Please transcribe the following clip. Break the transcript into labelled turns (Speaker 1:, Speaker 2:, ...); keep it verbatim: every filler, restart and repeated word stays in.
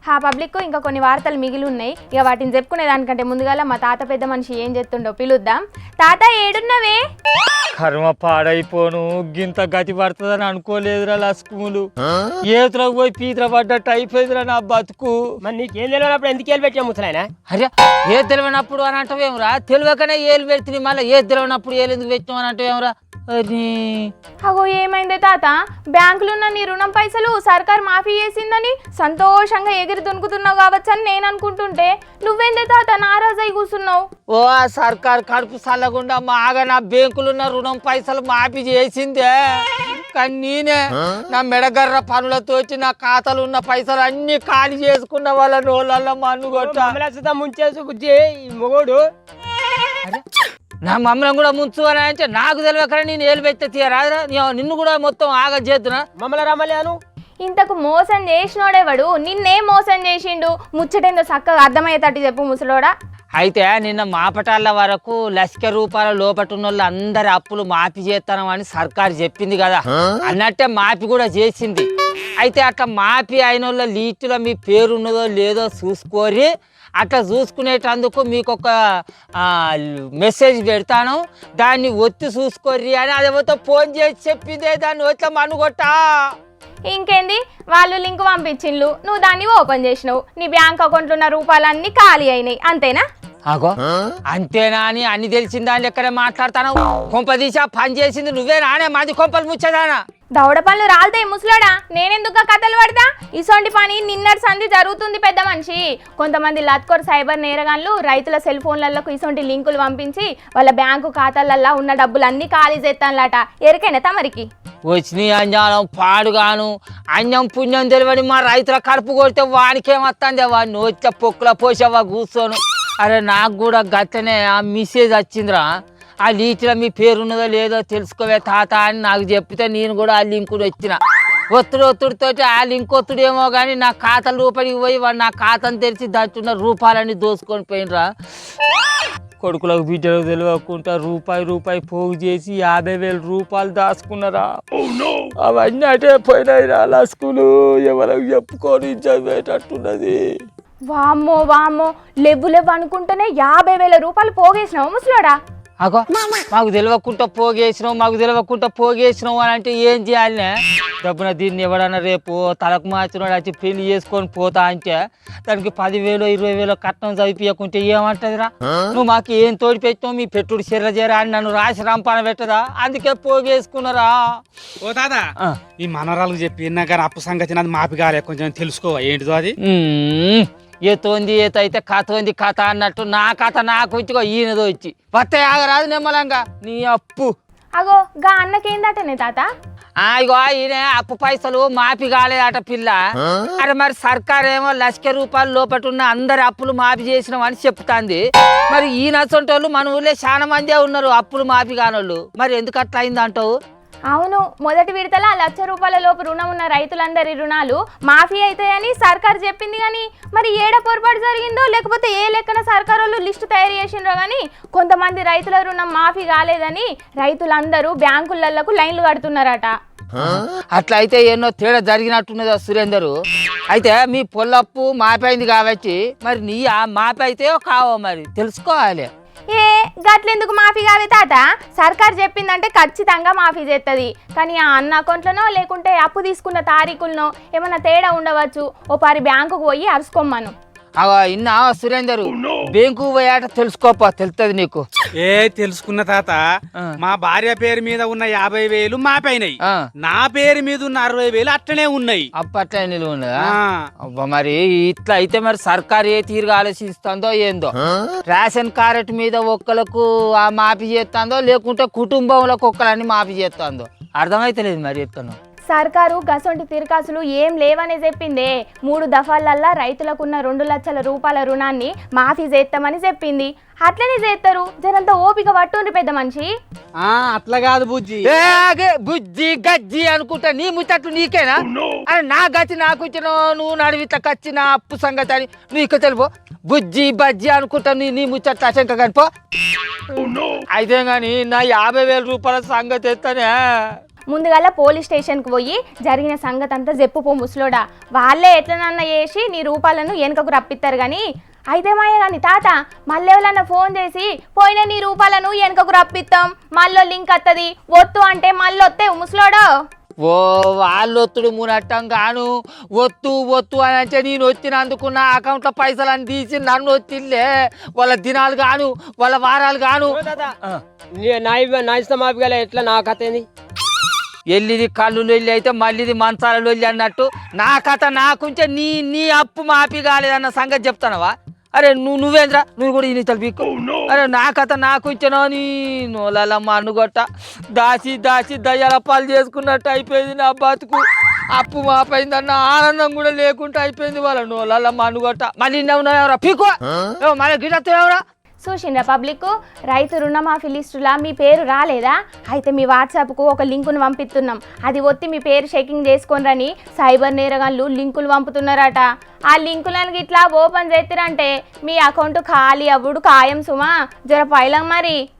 Speaker 1: ఆ పబ్లిక్ ఇంకా కొన్ని వార్తలు మిగిలి ఉన్నాయి. ఇక వాటిని చెప్పుకునే దానికంటే ముందుగా మా తాత పెద్ద మనిషి ఏం చేస్తుండో పిలుద్దాం. తాత ఏడున్నవే?
Speaker 2: కర్మ పాడైపోను, గింత గతి పడుతుందని అనుకోలేదురా లస్కుములు. ఏతులకు పోయి పీతర పడ్డట్టు అయిపోయిందిరా నా బతుకు.
Speaker 3: మరి నీకేం తెలియనప్పుడు ఎందుకు ఏళ్ళు పెట్టావు ముసలాయన?
Speaker 2: అరే ఏ తెలియనప్పుడు అని అంటావేమరా? తెలియకనే ఏలు పెడుతుంది, మళ్ళీ ఏ తెలియనప్పుడు ఏలు ఎందుకు పెట్టాం అని అంటావేమరా? అరే
Speaker 1: అగో ఏమైందే తాత? బ్యాంకులున్న నీ రుణం పైసలు సర్కార్ మాఫీ చేసిందని సంతోషంగా ఎగిరి దునుకుతున్నావు కావచ్చు అని నేను అనుకుంటుంటే నువ్వేందే తాత నారాజు అయి కూర్చున్నావు?
Speaker 2: ఓ సర్కార్ కడుపు చల్లకుండా మాగా నా బ్యాంకులున్న రుణం పైసలు మాఫీ చేసిందే, కానీ నేనే నా మెడగర్ర పనులతో నా ఖాతాలు ఉన్న పైసలు అన్ని ఖాళీ చేసుకున్న వాళ్ళ నోళ్ళల్లో మన్ను కొట్ట
Speaker 3: ముంచేసు మొగోడు.
Speaker 2: నా మమ్మల్ని కూడా ముంచు అని అంటే నాకు తెలియకరా నేను ఏలు పెట్టే తీయరాదురా, నిన్ను కూడా మొత్తం ఆగ చేస్తున్నా.
Speaker 3: మమ్మల్ని రమ్మలేను.
Speaker 1: ఇంతకు మోసం చేసినోడేవాడు? నిన్నే మోసం చేసిండు, ముచ్చటేందో చక్కగా అర్థమయ్యేటట్టు చెప్పు ముసలోడా.
Speaker 2: అయితే నిన్న మాపటాల వరకు లక్ష రూపాయల లోపటున్న వాళ్ళు అందరి అప్పులు మాఫీ చేస్తాను అని సర్కారు చెప్పింది కదా, అన్నట్టే మాఫీ కూడా చేసింది. అయితే అట్లా మాఫీ అయిన వాళ్ళ లీస్టులో మీ పేరు ఉన్నదో లేదో చూసుకోరి, అట్లా చూసుకునేటందుకు మీకు ఒక మెసేజ్ పెడతాను, దాన్ని ఒత్తి చూసుకోర్రి అని అదేమో ఫోన్ చేసి చెప్పిందే, దాన్ని వచ్చా మనుగొట్టా.
Speaker 1: ఇంకేంది, వాళ్ళు లింక్ పంపించిండ్లు, నువ్వు దాన్ని ఓపెన్ చేసినావు, నీ బ్యాంక్ అకౌంట్లో ఉన్న రూపాయలన్నీ ఖాళీ అయినాయి, అంతేనా?
Speaker 2: అగో అంతేనా అని అన్ని తెలిసిన దాని లెక్కనే మాట్లాడతాను. కొంప తీసా పని చేసింది నువ్వే నానే, మాది కొంపలు ముచ్చదానా?
Speaker 1: దౌడ పనులు రాలుతాయి ముసలాడా, నేనెందుకు కథలు పడతా? ఇసోంటి పని నిన్నటి సంధి జరుగుతుంది పెద్ద మనిషి. కొంతమంది లత్కోర్ సైబర్ నేరగాన్లు రైతుల సెల్ ఫోన్లకు ఇసోంటి లింకులు పంపించి వాళ్ళ బ్యాంకు ఖాతాలల్లో ఉన్న డబ్బులు అన్ని ఖాళీ చేస్తానులాట. ఎరికైనా తమరికి?
Speaker 2: వచ్చినాయి అంజానం పాడుగాను, అన్నం పుణ్యం తెలియని మా రైతుల కడుపు కొడితే వానికేమొస్తుంది, వాడిని వచ్చే పొక్కుల పోసేవా కూర్చోను. అరే నాకు కూడా గట్లనే ఆ మెసేజ్ వచ్చిందిరా, ఆ లీచ్లో మీ పేరున్నదో లేదో తెలుసుకోవే తాత అని నాకు చెప్తే నేను కూడా ఆ లింకుడు వచ్చిన. ఒత్తుడు ఒత్తుడితో ఆ లింక్ ఒత్తుడేమో కానీ నా ఖాతాల రూపాయలకి పోయి వాడు నా ఖాతాను తెరిచి దాచున్న రూపాయలన్నీ దోసుకొని పోయినరా. కొడుకులకు బిడ్డలకు తెలియకుండా రూపాయి రూపాయి పోగు చేసి యాభై వేల రూపాయలు దాచుకున్నారా. అవన్నీ అటే పోయినాయిరా లస్కులు, ఎవరికి చెప్పుకొని చదివేటట్టున్నది.
Speaker 1: వామ్మో వామ్మో, లెవ్వు లెవ్వు అనుకుంటేనే యాభై వేల రూపాయలు పోగేసినావు ముసలోడా.
Speaker 2: అగో మాకు తెలియకుండా పోగేసినావు, మాకు తెలియకుండా పోగేసినావు అని అంటే ఏం చేయాలనే? డబ్బున దీన్ని ఎవడన్నా రేపు తలకు మార్చినాడు వచ్చి పెళ్లి చేసుకొని పోతా అంటే దానికి పదివేలు ఇరవై వేలు కట్నం చదివించకుంటే ఏమంటదిరా? నువ్వు మాకు ఏం తోడి పెట్టినావు, మీ పెట్టుడు చెర్ర చేరా అని నన్ను రాసి రంపాన పెట్టదా, అందుకే పోగేసుకున్నారా.
Speaker 4: ఓ తాత, ఈ మనవరాలకు చెప్పినా కానీ అప్పు సంగతి నాది మాపి కాలే, కొంచెం తెలుసుకో ఏంటిదో అది.
Speaker 2: ఏతోంది ఏత అయితే కథ ఉంది కథ అన్నట్టు నా కథ నాకు వచ్చి ఈయనదో వచ్చి వస్తే ఆగరాదు నిమ్మలంగా నీ అప్పు.
Speaker 1: అగో గా అన్నకేందటనే తాత?
Speaker 2: ఇగో ఈయన అప్పు పైసలు మాఫీ కాలేదట పిల్ల. అరే మరి సర్కార్ ఏమో లక్ష రూపాయల లోపటున్న అందరి అప్పులు మాఫీ చేసినాం అని చెప్తాంది. మరి ఈయన సొంటోళ్ళు మన ఊళ్ళో చాలా మందే ఉన్నారు అప్పులు మాఫీ కానోళ్ళు, మరి ఎందుకు అట్లా అయింది అంటావు?
Speaker 1: అవును, మొదటి విడతల లక్ష రూపాయల లోపు రుణం ఉన్న రైతులందరి రుణాలు మాఫీ అవుతాయని సర్కార్ చెప్పింది. కానీ మరి ఏడ పొరపాటు జరిగిందో లేకపోతే ఏ లెక్కన సర్కార్ వాళ్ళు లిస్టు తయారు చేసిండ్రో కానీ కొంతమంది రైతుల రుణం మాఫీ కాలేదని రైతులందరూ బ్యాంకులకు లైన్లు కడుతున్నారట.
Speaker 2: అట్లా అయితే ఎన్నో తేడా జరిగినట్టున్నదా సురేందరు? అయితే మీ పొల్లప్పు మాఫీ అయింది కాబట్టి మరి నీ ఆ మాఫీ అయితే కావో మరి తెలుసుకోవాలి.
Speaker 1: ఏ గట్లెందుకు మాఫీ కావే తాత? సర్కార్ చెప్పిందంటే ఖచ్చితంగా మాఫీ చేస్తుంది. కానీ ఆ అన్న అకౌంట్లనో లేకుంటే అప్పు తీసుకున్న తారీఖులనో ఏమన్నా తేడా ఉండవచ్చు. ఓ పారి బ్యాంకుకు పోయి అరుచుకోమ్మను.
Speaker 2: అవ ఇన్నా సురేందరు, బ్యాంకు పోయాట తెలుసుకోపో, తెలుస్తుంది నీకు.
Speaker 4: ఏ తెలుసుకున్న తాత, మా భార్య పేరు మీద ఉన్న యాభై వేలు మాపైనాయి, నా పేరు మీద ఉన్న అరవై వేలు అట్లనే ఉన్నాయి.
Speaker 2: అప్పట్లే నిలువ ఉన్నదా? అబ్బా మరి ఇట్లా అయితే మరి సర్కారు ఏ తీరుగా ఆలోచిస్తుందో ఏందో. రేషన్ కార్డు మీద ఒక్కలకు ఆ మాఫీ చేస్తుందో లేకుంటే కుటుంబంలోకి ఒక్కలన్నీ మాఫీ చేస్తుందో అర్థమైతలేదు మరి చెప్తాను.
Speaker 1: సర్కారు గసొంటి తిరకాసులు ఏం లేవనే చెప్పిందే. మూడు దఫాలల్లా రైతులకున్న రెండు లక్షల రూపాయల రుణాన్ని మాఫీ చేస్తామని చెప్పింది. అట్లనే చేస్తారు, జనంతా ఓపిక పట్టుండ్రి పెద్ద మనిషి.
Speaker 4: అట్లా కాదు బుజ్జి,
Speaker 2: బుజ్జి గజ్జి అనుకుంటా నీ ముచ్చట్లు నీకేనా? అని నా గతి నాకు ఇచ్చిన నువ్వు నడివిత కచ్చి నా అప్పు సంగతి అని నువ్వు ఇక్కడ తెలిపో. బుజ్జి బజ్జి అనుకుంటా నీ నీ ముచ్చట్లు అశంక కనిపో. అయితే గాని నా యాభై వేల రూపాయల సంగతి ఎత్తానే
Speaker 1: ముందుగాల పోలీస్ స్టేషన్కి పోయి జరిగిన సంగతి అంతా చెప్పుపో ముసలోడా. వాళ్ళే ఎట్లనన్నా చేసి నీ రూపాలను వెనుకకు రప్పిస్తారు కానీ అయితే మాయ కానీ తాత మళ్ళీ ఎవరన్నా ఫోన్ చేసి పోయిన నీ రూపాలను వెనుకకు రప్పిస్తాం మళ్ళీ లింక్ వస్తుంది ఒత్తు అంటే మళ్ళీ వస్తే ముసలోడో.
Speaker 2: ఓ వాళ్ళొత్తుడు మునట్టం గాను ఒత్తు ఒత్తు అని అంటే నేను వచ్చినందుకు నా అకౌంట్లో పైసలు అని తీసి నన్ను వచ్చిందే. వాళ్ళ దినాలు గాను వాళ్ళ వారాలు గాను
Speaker 3: ఓ తాత, నీ- నా ఇవ్వ- నా ఇష్టం మాపిగల ఎట్లా నా కథ ఏంది?
Speaker 2: ఎల్లిది కళ్ళు లొల్లి అయితే మళ్ళీది మంచాల లొల్లి అన్నట్టు నా కథ నాకుంచే నీ నీ అప్పు మాపి కాలేదన్న సంగతి చెప్తానవా? అరే నువ్వు నువ్వేంద్రా నువ్వు కూడా ఇది పీక్కు. అరే నా కథ నాకుంచెనో నీ నోలమ్మ అనుగొట్ట దాచి దాచి దయ్యాల పాలు చేసుకున్నట్టు అయిపోయింది నా బతుకు. అప్పు మాపైందన్న ఆనందం కూడా లేకుండా అయిపోయింది వాళ్ళ నోలమ్మ అనుగొట్ట. మళ్ళీ ఉన్నావురా పీకో మళ్ళీ గిట్టెవరా
Speaker 1: చూసిండ్రా పబ్లిక్ రైతు రుణమాఫీ లిస్టులా మీ పేరు రాలేదా? అయితే మీ వాట్సాప్కు ఒక లింకును పంపిస్తున్నాం. అది ఒత్తి మీ పేరు చెకింగ్ చేసుకోనరని సైబర్ నేరగాళ్ళు లింకులు పంపుతున్నారట. ఆ లింకులను ఇట్లా ఓపెన్ చేస్తారంటే మీ అకౌంట్ ఖాళీ అవ్వడు ఖాయం సుమా. జర పైలం మరి.